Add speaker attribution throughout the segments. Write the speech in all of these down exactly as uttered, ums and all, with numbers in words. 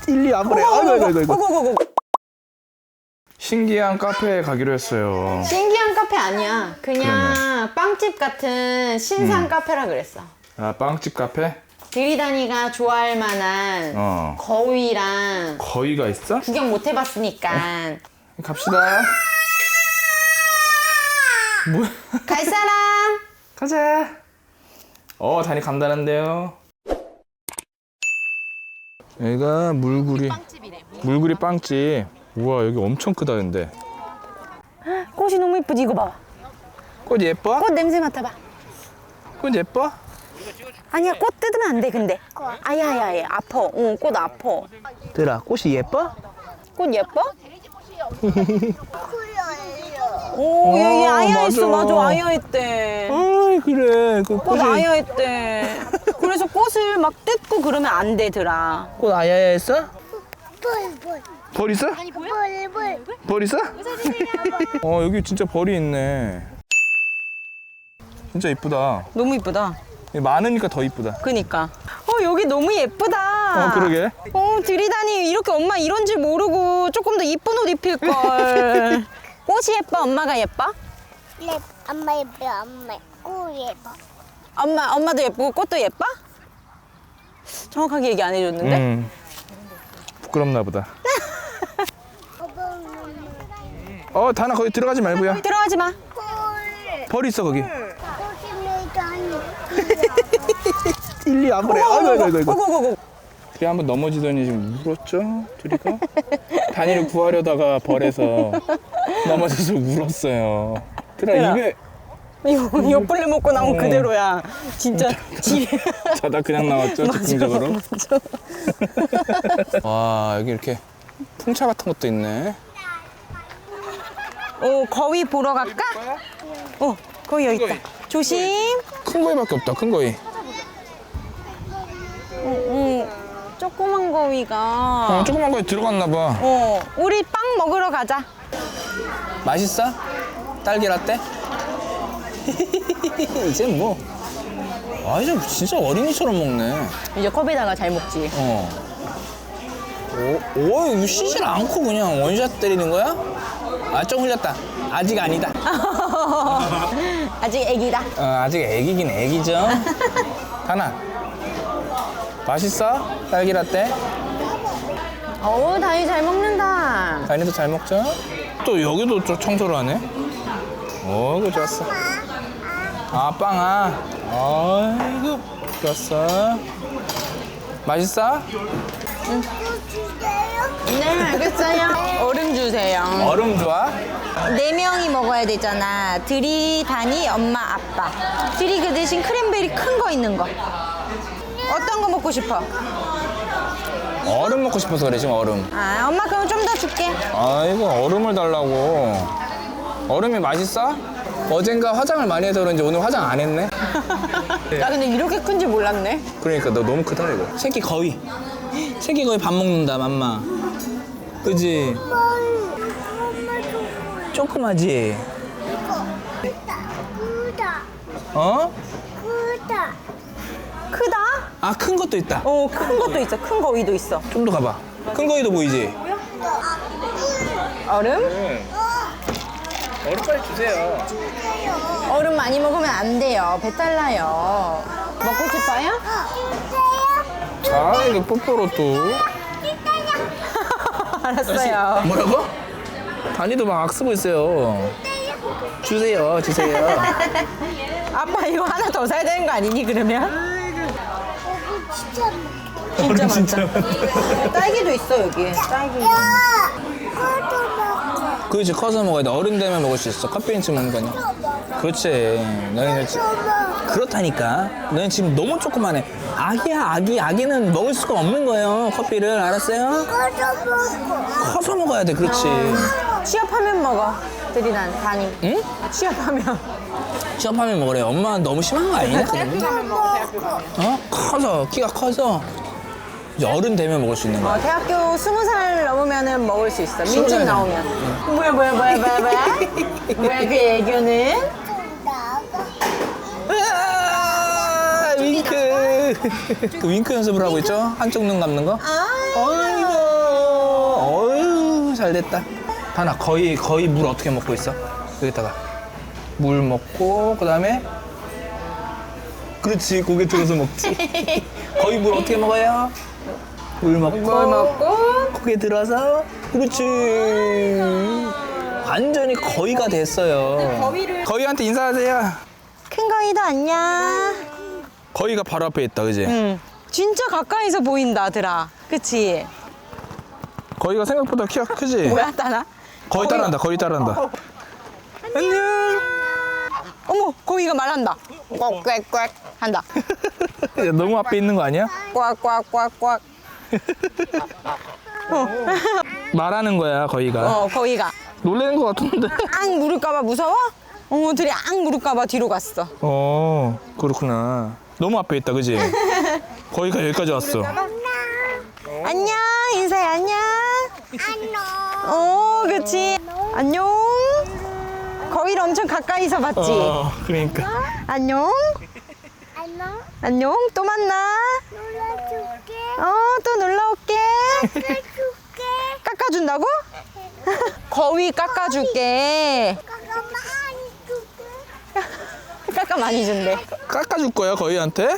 Speaker 1: 일리 안 보내. 아이고 아이고 아이고.
Speaker 2: 고고고고.
Speaker 1: 신기한 카페에 가기로 했어요.
Speaker 2: 신기한 카페 아니야. 그냥
Speaker 1: 그러네.
Speaker 2: 빵집 같은 신상
Speaker 1: 음.
Speaker 2: 카페라 그랬어.
Speaker 1: 아, 빵집 카페?
Speaker 2: 들이다니가 좋아할 만한
Speaker 1: 어.
Speaker 2: 거위랑
Speaker 1: 거위가 있어?
Speaker 2: 구경 못 해봤으니까
Speaker 1: 갑시다. 뭐야?
Speaker 2: 갈 사람?
Speaker 1: 가자. 어, 다니 간다는데요. 여기가 물구리. 물구리 빵집. 우와, 여기 엄청 크다 근데.
Speaker 2: 꽃이 너무 이쁘지. 이거 봐.
Speaker 1: 꽃 예뻐?
Speaker 2: 꽃 냄새 맡아봐.
Speaker 1: 꽃 예뻐?
Speaker 2: 아니야, 꽃 뜯으면 안 돼. 근데 아야야야 아파. 응, 꽃 아파.
Speaker 1: 들아, 꽃이 예뻐?
Speaker 2: 꽃 예뻐? 오,
Speaker 1: 어,
Speaker 2: 여기 아야 있어.
Speaker 1: 맞아.
Speaker 2: 맞아, 아야 있대.
Speaker 1: 아, 그래. 그
Speaker 2: 꽃 아야 있대. 그래서 꽃을 막 뜯고 그러면 안 되더라.
Speaker 1: 꽃 아야야 했어?
Speaker 3: 벌, 벌,
Speaker 1: 벌 있어?
Speaker 3: 벌, 벌.
Speaker 1: 벌 있어? 어, 여기 진짜 벌이 있네. 진짜 이쁘다.
Speaker 2: 너무 이쁘다.
Speaker 1: 많으니까 더 이쁘다.
Speaker 2: 그니까. 어, 여기 너무 예쁘다.
Speaker 1: 어, 그러게.
Speaker 2: 어, 들이다니 이렇게 엄마 이런 줄 모르고 조금 더 이쁜 옷 입힐걸. 꽃이 예뻐? 엄마가 예뻐?
Speaker 3: 네, 엄마 예뻐, 엄마. 오 예뻐.
Speaker 2: 엄마, 엄마도 예쁘고 꽃도 예뻐? 정확하게 얘기 안 해줬는데?
Speaker 1: 음. 부끄럽나 보다. 어, 다나 거기 들어가지 말고요.
Speaker 2: 들어가지 마.
Speaker 3: 헐.
Speaker 1: 벌 있어 거기.
Speaker 3: 거짓말도
Speaker 1: 일리 안 보내. 아이고 아이고 아이고. 아이고.
Speaker 2: 고고고고.
Speaker 1: 그래 한번 넘어지더니 지금 울었죠? 둘이가? 다니를 구하려다가 벌에서 넘어져서 울었어요. 들아
Speaker 2: 들아.
Speaker 1: 입에
Speaker 2: 이거 옆벌레 먹고 나온
Speaker 1: 어.
Speaker 2: 그대로야. 진짜 집에.
Speaker 1: 자다 그냥 나왔죠? 즉흥적으로. 와 여기 이렇게 풍차 같은 것도 있네.
Speaker 2: 어, 거위 보러 갈까? 어, 거위 여기 있다. 조심.
Speaker 1: 큰 거위밖에 없다. 큰 거위.
Speaker 2: 응, 조그만 거위가.
Speaker 1: 어, 조그만 거위 들어갔나 봐.
Speaker 2: 어, 우리 빵 먹으러 가자.
Speaker 1: 맛있어? 딸기 라떼? 이제 뭐. 아 이제 진짜 어린이처럼 먹네.
Speaker 2: 이제 컵에다가 잘 먹지.
Speaker 1: 어. 오, 오, 이거 쉬질 않고 그냥 원샷 때리는 거야? 아, 좀 흘렸다. 아직 아니다.
Speaker 2: 아직 애기다.
Speaker 1: 어, 아직 애기긴 애기죠. 하나. 맛있어? 딸기 라떼?
Speaker 2: 어우, 다이 잘 먹는다.
Speaker 1: 다인이도 잘 먹죠? 또 여기도 좀 청소를 하네. 어이구, 좋았어. 아, 빵아. 아이고, 좋았어. 맛있어?
Speaker 2: 네, 알겠어요. 얼음 주세요.
Speaker 1: 얼음 좋아?
Speaker 2: 네 명이 먹어야 되잖아. 들이, 다니, 엄마, 아빠. 들이 그 대신 크랜베리 큰 거 있는 거. 어떤 거 먹고 싶어?
Speaker 1: 얼음 먹고 싶어서 그래, 지금 얼음.
Speaker 2: 아, 엄마 그럼 좀 더 줄게.
Speaker 1: 아이고, 얼음을 달라고. 얼음이 맛있어? 어젠가 화장을 많이 해서 그런지 오늘 화장 안 했네?
Speaker 2: 나 근데 이렇게 큰지 몰랐네.
Speaker 1: 그러니까 너 너무 크다 이거. 새끼 거위. 새끼 거위 밥 먹는다 맘마. 그지? 조그마지?
Speaker 3: 크다,
Speaker 1: 어?
Speaker 3: 크다.
Speaker 2: 크다?
Speaker 1: 아 큰 것도 있다.
Speaker 2: 어, 큰 것도 있어. 큰 거위도 있어.
Speaker 1: 좀 더 가봐. 큰 거위도 보이지?
Speaker 2: 얼음?
Speaker 1: 얼음 빨리 주세요.
Speaker 2: 얼음 많이 먹으면 안 돼요. 배탈 나요. 먹고 싶어요?
Speaker 1: 아 이거 뽀뽀로 또.
Speaker 2: 알았어요.
Speaker 1: 뭐라고? 다니도 막 악쓰고 있어요. 주세요, 주세요.
Speaker 2: 아빠 이거 하나 더 사야 되는 거 아니니 그러면?
Speaker 3: 진짜
Speaker 2: 진짜 많다. 딸기도 있어 여기. 딸기.
Speaker 3: 야, 그것도 먹어.
Speaker 1: 그렇지 커서 먹어야 돼. 어른 되면 먹을 수 있어. 커피인치 먹는 거냐? 그렇지. 너희는 지- 그렇다니까. 너희는 지금 너무 조그만해. 아기야, 아기. 아기는 먹을 수가 없는 거예요. 커피를 알았어요?
Speaker 3: 그것도 먹어.
Speaker 1: 커서 먹어야 돼. 그렇지.
Speaker 2: 취업하면 먹어. 들이난 다니.
Speaker 1: 응?
Speaker 2: 취업하면.
Speaker 1: 취업하면 먹으래. 엄마 너무 심한 거 아니냐? 어? 커서 키가 커서 이제 어른 되면 먹을 수 있는 거야.
Speaker 2: 어, 대학교 스무 살 넘으면은 먹을 수 있어.
Speaker 1: 스무
Speaker 2: 민증
Speaker 1: 살
Speaker 2: 나오면. 뭐야 뭐야 뭐야 뭐야 뭐야? 뭐야 그 애교는?
Speaker 1: 으아, 윙크. 그 윙크 연습을 하고 있죠? 한쪽 눈 감는 거?
Speaker 2: 아.
Speaker 1: 아이고. 잘 됐다. 다나 거의 거의 물 어떻게 먹고 있어? 여기다가 물 먹고 그다음에 그렇지 고개 들어서 먹지. 거의 물 어떻게 먹어요? 물 먹고
Speaker 2: 물 먹고
Speaker 1: 고개 들어서 그렇지. 완전히 거의가 됐어요.
Speaker 2: 거위를-
Speaker 1: 거위한테 인사하세요.
Speaker 2: 큰 거위도 안녕.
Speaker 1: 거위가 바로 앞에 있다, 그지?
Speaker 2: 응. 진짜 가까이서 보인다, 들아. 그치?
Speaker 1: 거위가 생각보다 키가 크지?
Speaker 2: 뭐야, 따나?
Speaker 1: 거위 따라한다, 거위 따라한다. 안녕.
Speaker 2: 어머, 거위가 말한다. 꽉꽉꽉 한다.
Speaker 1: 야, 너무 앞에 있는 거 아니야?
Speaker 2: 꽉꽉꽉꽉.
Speaker 1: 말하는 거야, 거위가.
Speaker 2: 어, 거위가.
Speaker 1: 놀래는 거 같은데.
Speaker 2: 앙 물을까봐 무서워? 어, 들이 앙 물을까봐 뒤로 갔어.
Speaker 1: 어, 그렇구나. 너무 앞에 있다, 그지? 거위가 여기까지 왔어.
Speaker 2: 안녕, 인사해, 안녕.
Speaker 3: 안녕.
Speaker 2: 어, 그치. 안녕. 거위를 엄청 가까이서 봤지?
Speaker 1: 어, 그러니까.
Speaker 2: 안녕.
Speaker 3: 안녕.
Speaker 2: 안녕. 또 만나.
Speaker 3: 놀아줄게.
Speaker 2: 어, 또 놀러 올게.
Speaker 3: 깎아줄게.
Speaker 2: 깎아준다고? 거위 깎아줄게.
Speaker 3: 깎아 많이 줄게.
Speaker 2: 깎아 많이 준대.
Speaker 1: 깎아줄 거야, 거위한테?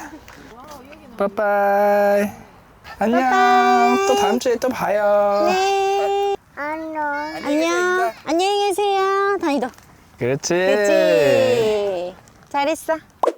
Speaker 1: 빠빠이. 안녕.
Speaker 2: 빠빠이.
Speaker 1: 또 다음 주에 또 봐요.
Speaker 2: 네.
Speaker 3: 안녕.
Speaker 2: 안녕. 안녕히 계세요. 다니도.
Speaker 1: 그렇지.
Speaker 2: 그치. 잘했어.